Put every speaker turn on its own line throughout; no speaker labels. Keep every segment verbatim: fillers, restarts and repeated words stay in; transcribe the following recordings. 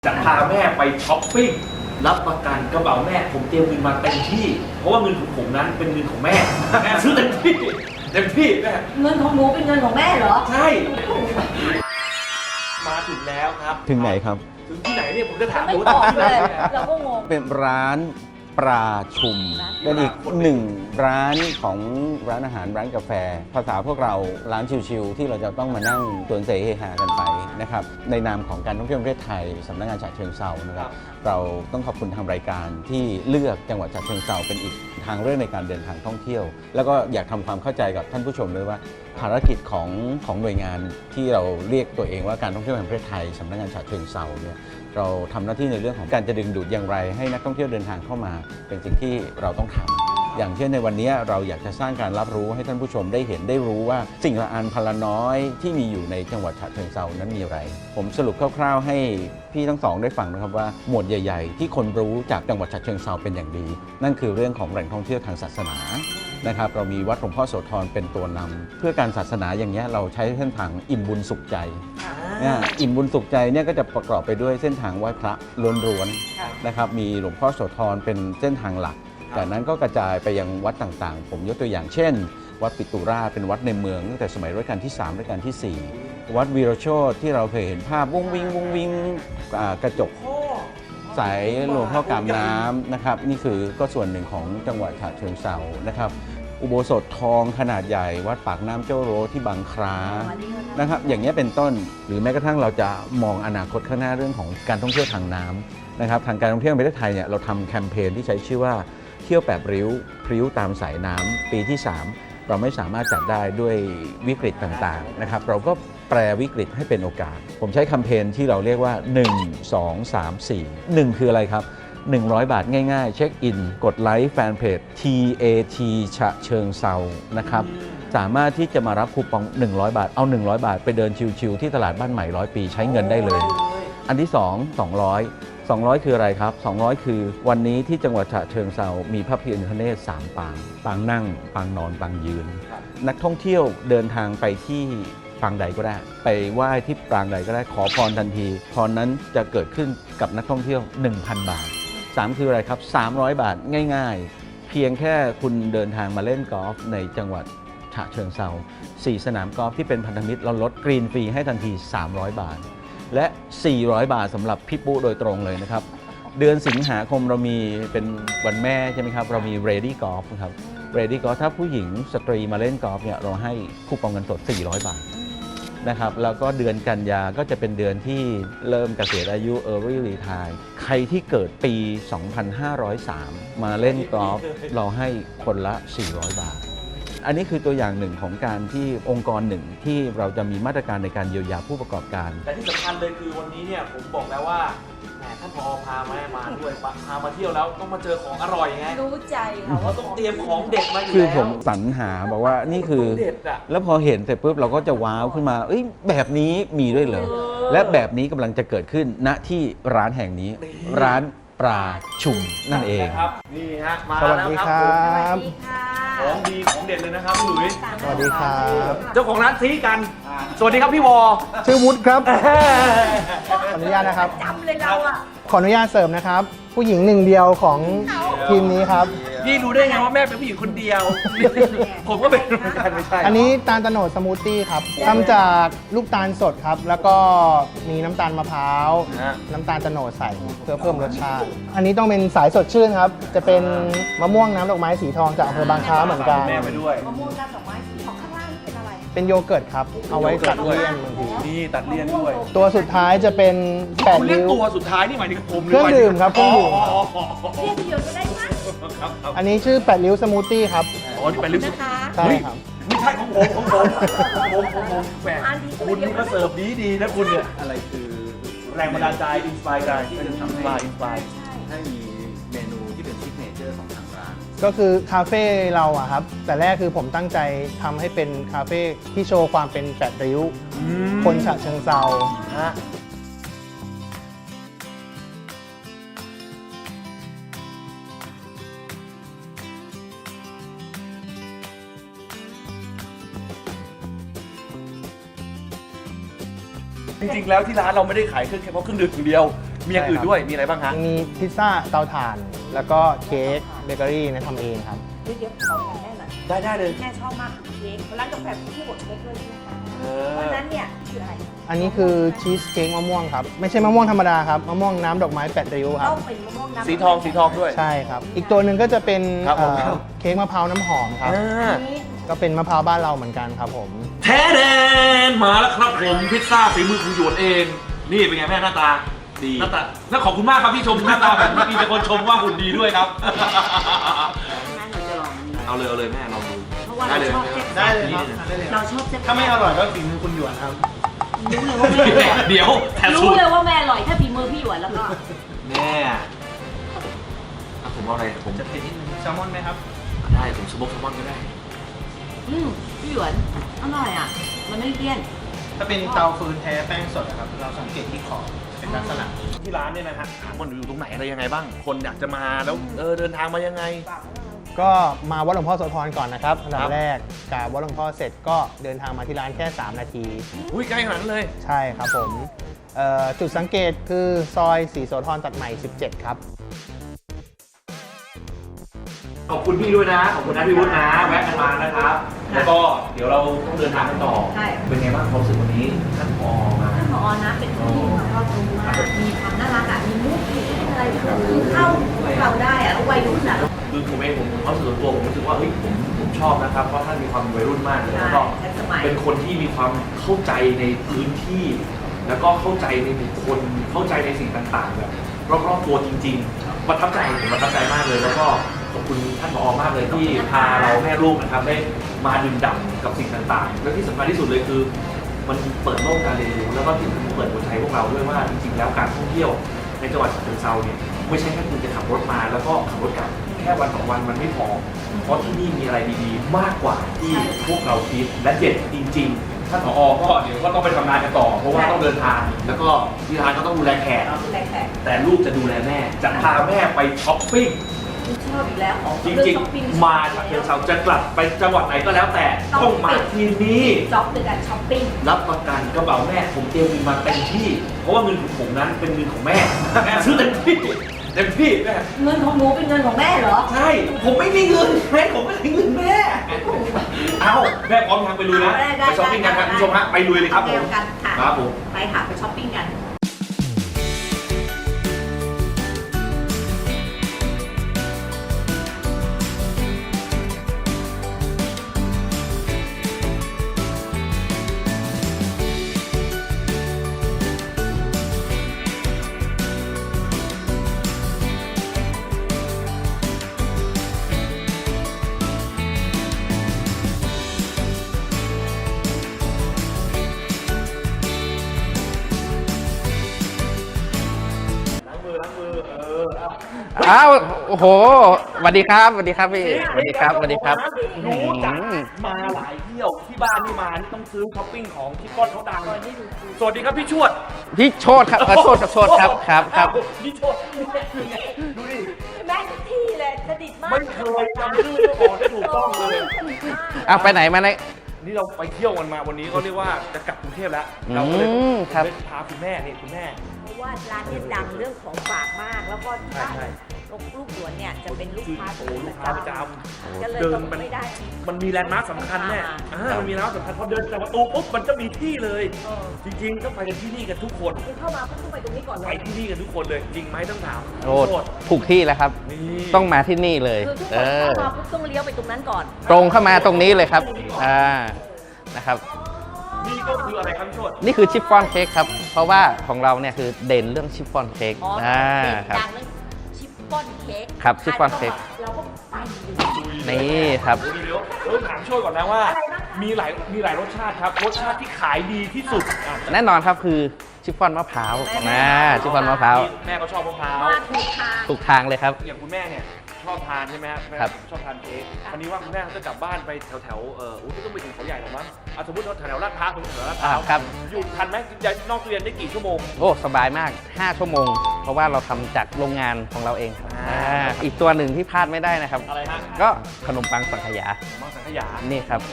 จะพาแม่ไปช้อปปิ้งรับประกันกระเป๋าแม่ผมเตรียมเงินมาเต็มที่เพราะว่าเงินของผมนั้นเป็นเงินของแม่แม่ซื้อเต็มที่เต็มที่แม่
เงินของหนูเป็นเงินของแม่เหรอ
ใช่มาถึงแล้วครับ
ถึงไหนครับ
ถึงที่ไหนเนี่ยผมจะถามห
ไม่
นู
บอก
ที่ไห
เล
น
ยเราก็งง
เป็นร้านปลาชุมเป็นอีกหนึ่งร้านของร้านอาหารร้านกาแฟภาษาพวกเราร้านชิลๆที่เราจะต้องมานั่งตวนเสเฮฮากันไปนะครับในนามของการท่องเที่ยวประเทศไทยสำนักงานฉะเชิงเทรานะครับเราต้องขอบคุณทางรายการที่เลือกจังหวัดฉะเชิงเทราเป็นอีกทางเรื่องในการเดินทางท่องเที่ยวแล้วก็อยากทำความเข้าใจกับท่านผู้ชมด้วยว่าภารกิจของของหน่วยงานที่เราเรียกตัวเองว่าการท่องเที่ยวแห่งประเทศไทยสำนักงานฉะเชิงเทราเนี่ยเราทำหน้าที่ในเรื่องของการจะดึงดูดอย่างไรให้นักท่องเที่ยวเดินทางเข้ามาเป็นสิ่งที่เราต้องทำอย่างเช่นในวันนี้เราอยากจะสร้างการรับรู้ให้ท่านผู้ชมได้เห็นได้รู้ว่าสิ่งละอันพละน้อยที่มีอยู่ในจังหวัดฉะเชิงเทรานั้นมีอะไรผมสรุปคร่าวๆให้พี่ทั้งสองได้ฟังนะครับว่าหมวดใหญ่ๆที่คนรู้จากจังหวัดฉะเชิงเทราเป็นอย่างดีนั่นคือเรื่องของแหล่งท่องเที่ยวทางศาสนานะครับเรามีวัดหลวงพ่อโสธรเป็นตัวนำเพื่อการศาสนาอย่างนี้เราใช้เส้นทางอิ่มบุญสุขใจเนี่ยอิ่มบุญสุขใจเนี่ยก็จะประกอบไปด้วยเส้นทางไหว้พระล้วนๆนะครับมีหลวงพ่อโสธรเป็นเส้นทางหลักจากนั้นก็กระจายไปยังวัดต่างๆผมยกตัวอย่างเช่นวัดปิตุราชเป็นวัดในเมืองตั้งแต่สมัยรัชกาลที่สามรัชกาลที่สี่วัดวีรโชติที่เราเคยเห็นภาพวุ้งวิงวุ้งวิงกระจกใสหลวงพ่อกามน้ำนะครับนี่คือก็ส่วนหนึ่งของจังหวัดฉะเชิงเทรานะครับอุโบสถทองขนาดใหญ่วัดปากน้ำเจ้าโรที่บางคล้านะครับอย่างนี้เป็นต้นหรือแม้กระทั่งเราจะมองอนาคตข้างหน้าเรื่องของการท่องเที่ยวทางน้ำนะครับทางการท่องเที่ยวในประเทศไทยเนี่ยเราทำแคมเปญที่ใช้ชื่อว่าเที่ยวแบบริ้วพริ้วตามสายน้ำปีที่สามเราไม่สามารถจัดได้ด้วยวิกฤตต่างๆนะครับเราก็แปลวิกฤตให้เป็นโอกาสผมใช้แคมเปญที่เราเรียกว่าหนึ่ง สอง สาม สี่ หนึ่งคืออะไรครับหนึ่งร้อยบาทง่ายๆเช็คอินกดไลค์แฟนเพจ ที เอ ที ฉะเชิงเซานะครับสามารถที่จะมารับคูปองหนึ่งร้อยบาทเอาหนึ่งร้อยบาทไปเดินชิวๆที่ตลาดบ้านใหม่ร้อยปีใช้เงินได้เลยอันที่สอง สองร้อย สองร้อยคืออะไรครับสองร้อยคือวันนี้ที่จังหวัดฉะเชิงเซามีพระพิฆเนศสามปางปางนั่งปางนอนปางยืนนักท่องเที่ยวเดินทางไปที่ปางใดก็ได้ไปไหว้ที่ปางใดก็ได้ขอพรทันทีพรนั้นจะเกิดขึ้นกับนักท่องเที่ยว หนึ่งพัน บาทสามคืออะไรครับสามร้อยบาทง่ายๆเพียงแค่คุณเดินทางมาเล่นกอล์ฟในจังหวัดฉะเชิงเซาสี่สนามกอล์ฟที่เป็นพันธมิตรเราลดกรีนฟรีให้ทันทีสามร้อยบาทและสี่ร้อยบาทสำหรับพี่ปุ๊โดยตรงเลยนะครับเดือนสิงหาคมเรามีเป็นวันแม่ใช่ไหมครับเรามี Ready Golf ครับ Ready Golf ถ้าผู้หญิงสตรีมาเล่นกอล์ฟเนี่ยเราให้คูปองเงินสดสี่ร้อยบาทนะครับแล้วก็เดือนกันยาก็จะเป็นเดือนที่เริ่มเกษียณอายุ Early Retire ใครที่เกิดปี สองพันห้าร้อยสาม มาเล่นกอล์ฟเราให้คนละ สี่ร้อยบาทอันนี้คือตัวอย่างหนึ่งของการที่องค์กรหนึ่งที่เราจะมีมาตรการในการเยียวยาผู้ประกอบการ
แต่ที่สำคัญเลยคือวันนี้เนี่ยผมบอกแล้วว่าแหมท่านผอพาแม่มาด้วยพามาเที่ยวแล้วต้องมาเจอของอร่อยไง
รู้ใจค่ะ
ว่าต้องเตรียมของเด็ดมาอยู่แล้ว
คือผมสรรหาบอกว่านี่คือแล้วพอเห็นเสร็จปุ๊บเราก็จะว้าวขึ้นมาเอ้ยแบบนี้มีด้วยเหรอและแบบนี้กำลังจะเกิดขึ้นณที่ร้านแห่งนี้ร้านปลาชุมนั่นเอง
ครับนี่ฮะมา
สวัส
แล้ว
ดี
ครับ
ครั
สวั
บ
สดีค่ะ
ของดีของเด็ดเลยนะครับพี่หลุยส์
สวัสดีครับ
เจ้าของร้านซีกันสวัสดีครับพี่วอ
ชื่อวุฒิครับ ขออนุญาตนะครับ
จำเลยเราอ่ะ
ขออนุญาตเสริมนะครับ ผู้หญิงหนึ่งเดียวของทีมนี้ครับ
พี่รู้ได้ไงว่าแม่เป็นผู้หญิงคนเดียว ผมก็เป็นเหมือนกันไม่ใช่
อันนี้ตาลตะโนดสมูทตี้ครับทำจากลูกตาลสดครับ แล้วก็มีน้ำตาลมะพร้าว น้ำตาลตะโนดใส่เพื่อเพิ่มรสชาติ อันนี้ต้องเป็นสายสดชื่นครับ จะเป็นมะม่วงน้ำดอกไม้สีทองจากอำเภอบางคล้าเหมือนกัน
แม่ไปด้วย
มะม่วงน้ำดอกไม้สีของข้างล่างนี่เป็นอะไร
เป็นโยเกิร์ตครับ เอาไว้ตัดเลี่ยนบางที
นี่ตัดเลี่ยนด้วย
ตัวสุดท้ายจะเป็นแปด
คุณเรียก
ริ้ว
ตัวสุดท้ายนี่หมายถึงผม
เครื่องดื่มครับเครื่องดื่ม
อ๋อ
เรียกเดียวก็ได้มั้ง
ครับครับ
อันนี้ชื่อแปดริ้วสมูทตี้ครับ
อ๋อนี่เป็นลิปส
นะคะ
ใช่ครับ
ไม่ใช่ของผมของผมของผมของผมแหมคุณนี่ก็เสิร์ฟดีดีนะคุณเนี่ย
อะไรคือ
แรงบันดาลใจอินสปายใจที่จะทำให้อินสปาย
ให้มีเมนูที่เป็นซิกเนเจอร์ของทางร้าน
ก็คือคาเฟ่เราอะครับ แต่แรกคือผมตั้งใจทำให้เป็นคาเฟ่ที่โชว์ความเป็นแปดริ้ว คนฉะเชิงเซา
ฮะจริงๆแล้วที่ร้านเราไม่ได้ขายเครื่องแค่เพราะเครื่องดื่มอย่างเดียวมีอย่างอื่นด้วยมีอะไรบ้างฮะ
มีพิซซ่าเตาถ่าน แล้วก็เค้กเบเกอรี่นะทำเองครับ
เดี๋ยวเดี๋ยวขออย่างแม่หน่อย
ได้ได้เลย
แม่ชอบมากเค้กร้านกาแฟที่บดเค้กด้วยใช่ไหมคะ
เอ
เพราะ
อ
ฉะนั้นเนี่ยคืออะไร
อันนี้คือชีสเค้กมะม่วงครับ ไม่ใช่มะม่วงธรรมดาครับ มะม่วงน้ำดอกไม้แปดริ้วครั
ต้
บ
องเป็นมะม่วงน้ำ
สีทองสีทองด้วย
ใช่ครับ อีกตัวหนึ่งก็จะเป็น
ครับผม
เอ่อเค้กมะพร้าวน้ำหอมครับ
อ่า
นี้
ก็เป็นมะพร้าวบ้านเราเหมือนกันครับผม
แท้แดนมาแล้วครับผมพิซซ่าฝีมือคุณหยวนเอง นี่เป็นไงแม่หน้าตา
ดี
หน้าตาแล้วขอบคุณมากครับที่ชมหน้าตาแบบนี้มีแต่คนชมว่าหุ่นดีด้วยครับ
งั้นเราจะลองอันนี้
เอาเลยเอาเลยแม่ลองดู
เพราะว่า
ได้
เรา
เลย
ชอบเซ็ต
ได้เลยครับได้เลยค
เรา
รับ
ชอบเซ็ต
ถ้าไม่อร่อยก็ฝีมือคุณหยวนครับ
รู้เลยว่าแม่อร่อย
เดี๋ยวแถมสู
รู้
ตร
เลยว่าแม่อร่อยถ้าฝีมือพี่หยวนแล้วก็
แม่อ่ะผมเอาอะไรผม
จะเป็นนิดนึงแซลมอนไหมครับ
ได้ผมสโมกแซลมอนก็ได้
อืมพี่หยวนอร่อยอ่ะ มันไม่เลี่ยน
ถ้าเป็นเตาฟืนแท้แป้งสดนะครับ เราสังเกตที่ขอบเป็นลักษณะนี้
ที่ร้านเนี่ยนะฮะถามว่าอยู่ตรงไหนอะไรยังไงบ้าง คนอยากจะมาแล้วเออเดินทางมายังไง
ก็มาวัดหลวงพ่อโสธรก่อนนะครับอันดั
ครับ บ
แรกกราบวัดหลวงพ่อเสร็จก็เดินทางมาที่ร้านแค่ สาม นาที
อุ้ยใกล้ขนาดนั้นเลย
ใช่ครับผมเอ่อจุดสังเกตคือซอยศรีโสธรตัดใหม่ สิบเจ็ด ครับ
ขอบคุณพี่ด้วยนะ ขอบคุณนะพี่วุฒินะแวะกันมานะครับ แล้วก็เดี๋ยวเราต้องเดินทางกันต่อ
ใช่
เป็นไงบ้างความรู้สึกวันนี้ท่านผอมา
ท่านผอนะเป็นคนที่มีความรู้มากมีความน่ารักอ่ะ มีมุกมีอะไรคือเข้าเราได้อ่ะแล้ววัยรุ่นอ่ะ
คือผมเองผมเขามรู้สึกส่วนตัวผมรู้สึกว่าเฮ้ยผมผมชอบนะครับเพราะท่านมีความวัยรุ่นมากเลย
ใช่
แล้วก็
ทันสมัย
เป็นคนที่มีความเข้าใจในพื้นที่ แล้วก็เข้าใจในบุคคลเข้าใจในสิ่งต่างๆแบบรอบๆตัวจริงๆประทับใจผมประทับใจมากเลย แล้วก็ขอบคุณท่านผอมากเลยที่พาเราแม่ลูกนะครับได้มาดื่มด่ำกับสิ่งต่างๆ และที่สำคัญที่สุดเลยคือ มันเปิดโลกการเรียนรู้แล้วก็ที่สำคัญเปิดหัวใจพวกเราด้วยว่าจริงๆแล้วการท่องเที่ยวในจังหวัดฉะเชิงเทราเนี่ยไม่ใช่แค่คุณจะขับรถมาแล้วก็ขับรถกลับแค่วันสองวันมันไม่พอ เพราะที่นี่มีอะไรดีๆ มากกว่าที่พวกเราคิดและเด็ดจริงๆท่านผอก็เดี๋ยวก็ต้องไปทำงานกันต่อ เพราะว่าต้องเดินทาง แล้วก็ที่ร้านก็ต้องดูแลแขก
ดูแลแขก
แต่ลูกจะดูแลแม่จะพาแม่ไปช้อปปิ้ง
ชอบอีกแล้วของ
จริงๆ มาฉะเชิงเทราจะกลับไปจังหวัดไหนก็แล้วแต่ต้องมาที่นี่
จ็อบคือการช้อปปิ้ง
รับประกันกระเป๋าแม่ผมเตรียมเงินมาเต็มที่ เพราะว่าเงินของผมนั้นเป็นเงินของแม่ แม่ซื้อเต็มที่เต็มที่แม่
เงินของหนูเป็นเงินของแม่เหรอ
ใช่ผมไม่มีเงินแม่ผมไม่มีเงินแม่เอาแม่พร้อมทางไปลุยนะ
ได้ได้
ไปช้อปปิ้งกันครับคุณผู้ชมฮะไปลุยเลยครับผ
เดีย
ม
วกันค่ะ
ครับผม
ไปค่ะไปช้อปปิ้งกัน
ล้างมือล้างมือเออเอา
อ้าวโอ้โหสวัสดีครับสวัสดีครับพี่สวัสดีครับสวัสดีครับ
รู้จักมาหลายเที่ยวที่บ้านนี่มานี่ต้องซื้อช้อปปิ้งของที่ก้อนเขาดังสวัสดีครับพี่ชวด
พี่โชดครับเออโชดครับโชดครับครับครับ
พี่ชวดดูดิ
แม่ทุกที่เลยสนิทมาก
ไม่เคยจำชื่อเจ้าของได้ถูกต้องเลย
สนิทมาก
เอาไปไหนมาไหน
นี่เราไปเที่ยวกันมาวันนี้ก็เรียกว่าจะกลับกรุงเทพแล้ว เราก็เลย
อืมครับ
ได้พาคุณแม่นี่คุณแม่
เพราะว่าร้านเนี่ยดังเรื่องของฝากมาก แล้วก็ที่บ้าน
ใช่
ลูกลูกหลวนเนี่ยจะเป็นลูกค้า
โอ้ลูกค้าประจำ
ก็เลย
เดิ
ต้
น
อง
มัน
ไม่ได้
มันมีแลนด์มาร์คสำคัญแน่อ่ามันมีแลนด์มาร์คสำคัญพอเดินจากประตูปุ๊บมันจะมีที่เลย
เออ
จริงๆต้องไปกันที่นี่กันทุกคน
คือเข้ามาเพิ่งต้องไปตรงนี้ก่อนเล
ไป
ย
ที่นี่กันทุกคนเลยจริงไหมต้องถาม
โอ้
โทษ
ถูกที่แล้วครับ
นี่
ต้องมาที่นี่เลย
คือทุกค
เอน อ
เข้ามาปุ๊บต้องเลี้ยวไปตรงนั้นก่อน
ตรงเข้ามาตรงนี้เลยครับอ่านะครับ
นี่ก็คืออะไรครับพี่โชด
นี่คือชิฟฟ่อนเค้กครับ เพราะว่าของเราเนี่ยคือเด่นเรื่องชิฟฟ่อนเค้ก
อ๋อ
อ่า
เด็ด
ครับ
ดังเรื่องชิฟฟ่อนเค้ก
ครับชิฟฟ่อนเค้ก
เราก็ไปอยู่
นี่ครับ
เดี๋ยวเดี๋ยวถามโชดก่อนนะว่า มีหลายมีหลายรสชาติครับรสชาติที่ขายดีที่สุดอ่ะ
แน่นอนครับคือชิฟฟ่อนมะพร้าวนะชิฟฟ่อนมะพร้าว
แม่ก็ชอบมะพร้าว
มาถูกทาง
ถูกทางเลยครับ
อย่างคุณแม่เนี่ยชอบทานใช่ไหมครับแม่
ครับ
ชอบทานเค้กวันนี้ว่าคุณแม่เขาจะกลับบ้านไปแถวแถวๆเอออุ้ยไม่ต้องไปถึงเขาใหญ่หรอกมั้งเอาสมมติเราแถวแถวลาดพร้าวสมมติแถวลาดพ
อ่า
ร้าว
ครับ
อยู่ทันไหมย้ายนอกตู้เรียนได้กี่ชั่วโมง
โอ้ สบายมาก ห้า ชั่วโมง เพราะว่าเราทำจากโรงงานของเราเอง
อ่า
อ่าอีกตัวหนึ่งที่พลาดไม่ได้นะครับ
อะไรฮะ
ก็ขนมปังสังขยา
มังสังขยา
นี่ครับ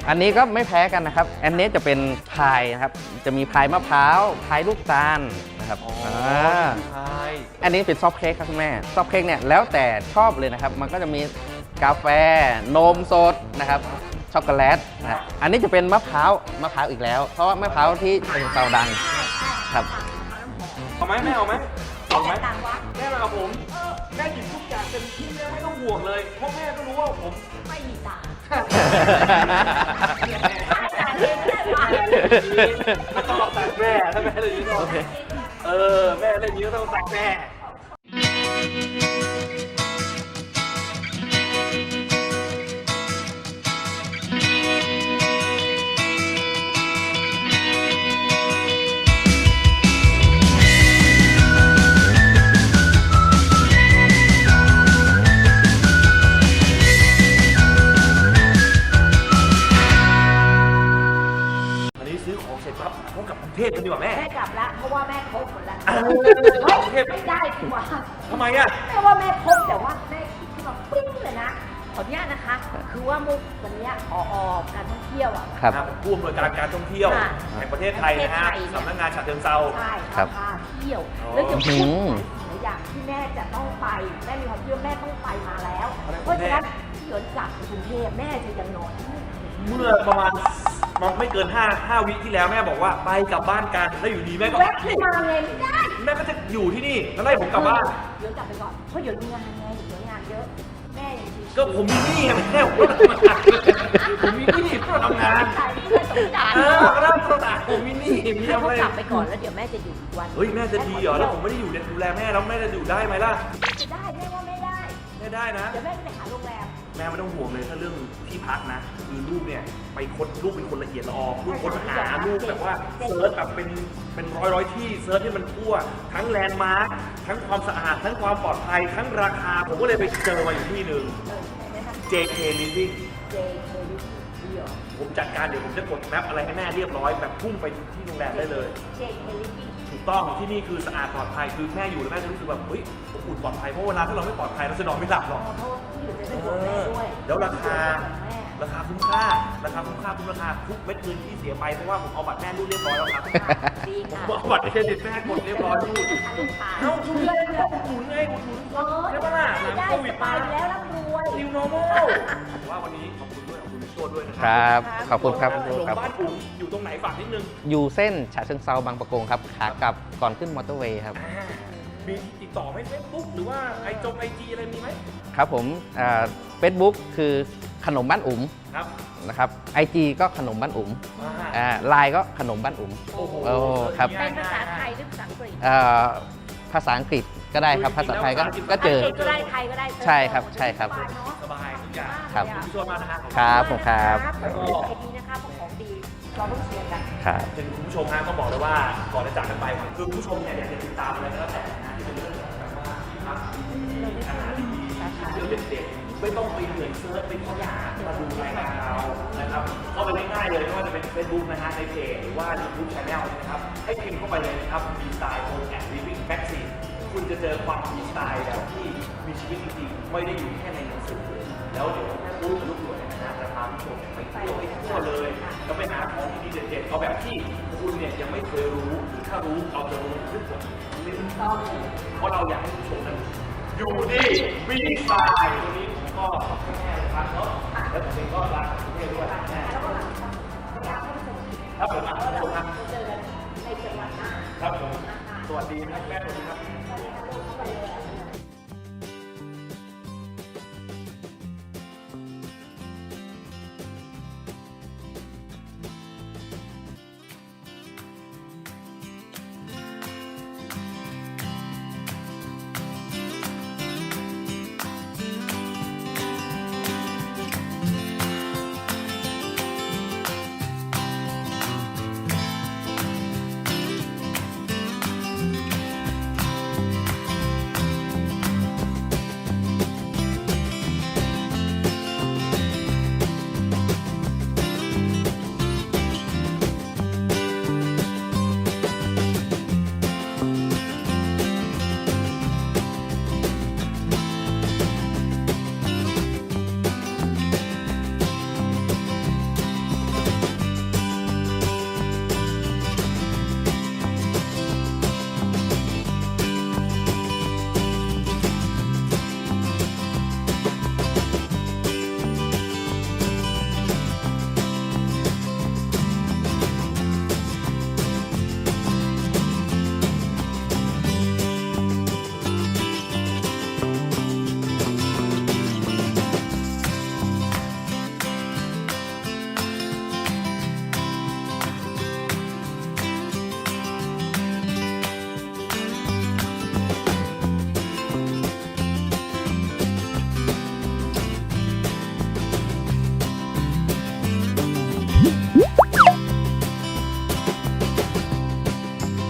อันนี้ก็ไม่แพ้กันนะครับ อันนี้จะเป็นพายนะครับ จะมีพายมะพร้าว พายลูกตาลนะครับ
อ๋อ
า
ใช่
อันนี้เป็นซอฟต์เค้กครับคุณแม่ ซอฟต์เค้กเนี่ยแล้วแต่ชอบเลยนะครับ มันก็จะมีกาแฟ นมสดนะครับ ช็อกโกแลตนะฮะอันนี้จะเป็นมะพร้าว มะพร้าวอีกแล้ว เพราะว่ามะพร้าวที่เชียงเซาดังครับ
เอาไหมแม่เอาไหมเอาไหม
ต่างวัด
แม่มากับผมแม่หยิบทุกอย่างเต็มที่แม่ไม่ต้องห่วงเลยเพราะแม่ก็รู้ว่าผม
ไม่มีต่าง
ไม่ต้องเอาตังค์แม่ถ้าแม่เลยนี้ต้องเออแม่เล่นนี้ก็ต้องตังค์แม่ อันนี้ซื้อของเสร็จปั๊บต้องกลับกรุงเทพกันดีกว่าแม่
แม่กลับละเพราะว่าแม่ครบหมดแล้ว
เออ
เฮ้ยไม่ได้ดีกว่า
ทำไมอ่ะ
แม่ว่าแม่ครบแต่ว่าแม่คิดขึ้นมาปึ้งเลยนะขออนุญาตนะคะ คือว่ามุกวันเนี้ยออการท่องเที่ยวอ่ะ
ครับ
ผู้อำนวยการการท่องเที่ยว
ค่ะ
แห่งประเทศไทยนะฮะ
ประเทศไทยเนี่ย
สำนักงานฉะเชิงเทรา
ใช่
ครับ
พาเที่ยว
อ๋อ
แล้วจะพูด
อืม
หลายอย่างที่แม่จะต้องไปแม่มีความเชื่อแม่ต้องไปมาแล้ว
อะไรของ
เพราะฉะนั้น
แม่
ที่หยวนกลับไปกรุงเทพแม่จะยังนอนที่นี่
เมื่อประมาณมันไม่เกินห้า ห้าวิที่แล้วแม่บอกว่าไปกลับบ้านกันแล้วอยู่ดีแม่ก็
แวะขึ้นมาเลยไม่ได้
แม่ก็จะอยู่ที่นี่แล้วไล่ผมกลับบ้าน
เดี๋ยวกลับไปก่อนเพราะเดี๋ยวมีงานไงเดี๋ยวงานเยอะแม่ยังชิวๆ
ก็ผมมีหนี้ไงแม่ผมก็ต้องทำงานผมมีหนี้ก็ต้องทำงาน
ใช่เพื่อนสงสาร
เออก็ต้องทำงานผมมีหนี้มี
ให้
อะ
เขา
ไร
กลับไปก่อนแล้วเดี๋ยวแม่จะอยู่อีกวัน
เฮ้ยแม่จะดีเหรอแล้วผมไม่ได้อยู่ดูแลแม่แล้วแม่จะอยู่ได้ไหมล่ะ
จะได้แม่ว่าไม่ได้
ไม่ได้นะ
เดี๋ยวแม่จะไปหาโรงแรม
แม่ไม่ต้องห่วงเลยถ้าเรื่องที่พักนะ คือลูกเนี่ยไปค้นลูกเป็นคนละเอียดละออลูกค้นหาลูกแบบว่าเซิร์ชแบบเป็นเป็นร้อยร้อยที่เซิร์ชให้มันทั่ว ทั้งแลนด์มาร์คทั้งความสะอาด ทั้งความปลอดภัย ทั้งราคา ผมก็เลยไปเจอมาอยู่ที่หนึ่ง
เออแนะนำ
เจ เค Living
เจเคลิเดียว
ผมจัดการเดี๋ยวผมจะกดแมปอะไรให้แม่เรียบร้อยแบบพุ่งไปที่โรงแรมได้เลย
เจเคลิวิ่ง
ถูกต้องที่นี่คือสะอาดปลอดภัยคือแม่อยู่แล้วแม่จะรู้สึกแบบเฮ้ยอบอุ่นปลอดภัยเพราะเวลาถ้าเราไม่ปลอดภัยเราจะนอนไม่หลับหรอก
เพราะว่าที่อยู่จะได้ดูแม่ด้วย
แล้วราคา
แม่
ราคาคุ้มค่า ราคาคุ้มค่าคุ้มราคาทุกเม็ดเงินที่เสียไปเพราะว่าผมเอาบัตรแม่รูดเรียบร้อยแล้วครับ
ดี
ผม
ค่ะ
เอาบัตรเครดิตแม่กดเรียบร้อยรูดเอ้าคุณเลยนะอุดหนุนไงอุดหนุนคนใช่ปะล่ะหลัง
ได้
โควิ
ส
ด
บา
มา
ยแล้วร่ำรวย
นิวโนมอลว่าวันนี้ขอบคุณด้วยขอบคุณพี่โจ้ด้วยนะ
ค
ครั
รับ ขอบคุณครับ
ถนน
ครับ
บ้านอุ๋งอยู่ตรงไหนฝากนิดนึง
อยู่เส้นฉะเชิงเซาบางประกงครับ ขากลับก่อนขึ้นมอเตอร์เวย์ครับ
อ่ามีติดต่อไหมเฟซบุ๊กหรือว่าไอจงไอจีอะไรมีไหม
ครับผมเฟซบุ๊กคือขนมบ้านอุ๋ม
ครับ
นะครับไอจีก็ขนมบ้านอุ๋ม
อ่า
ไลน์ก็ขนมบ้านอุ๋ม
โอ้โห
โอ้ครับ
เป็นภาษาไทยหรือภาษาอังกฤษ
เอ่อภาษาอังกฤษก็ได้ครับ ภาษาไทยก็ก็เจอ
ภาษาอังกฤษก็ได้ไทยก็ได้
ใช่ครับใช่ครับ
สบายทุกอย่าง
ครับ
ขอบคุณพี่โจ้มากนะฮะ
ครับผมครับ
ขอบคุณไอดีนะคะเพราะของดีเราต้องเชียร์กัน
ครับ
ถึงคุณผู้ชมฮะต้องบอกเลยว่าก่อนจะจากกันไปคือคุณผู้ชมเนี่ยอยากจะติดตามอะไรก็แล้วแต่นะที่เป็นเรื่องของแบบว่าที่พักที่อาหารดีๆเรื่องเด็ดๆไม่ต้องไปเหนื่อยเซิร์ชไปค้นหามาดูรายการเรานะครับเข้าไปง่ายๆเลยไม่ว่าจะเป็น Facebook นะฮะในเพจหรือว่า YouTube Channel นะครับให้พิมพ์เข้าไปเลยนะครับมีสไตล์ Home and Living Magazine คุณจะเจอความมีสไตล์แบบที่มีชีวิตจริงๆไม่ได้อยู่แค่ในหนังสือแล้วเดี๋ยวแม่พูดกับลูกหลวงเนี่ยนะจะพาผู้ชมไปเที่ยวให้ทั่วเลยแล้วไปหาของดีๆเด็ดๆเอาแบบที่คุณเนี่ยยังไม่เคยรู้หรือถ้ารู้เอาจะรู้ทุกคนลิ้นต้องเพราะเราอยากให้ผู้ชมนั้นอยู่ดีมีสไตล์ตรงนี้ผมก็ขอบคุณแม่นะครับเนาะแล้วผมเองก็รักคุณแม่ด้วยแม่ครับผมอ่ะผู้ชมครับ
เจอกันในจังหวัดหน้า
ครับผมสวัสดีนะครับแม่สวัสดีครับ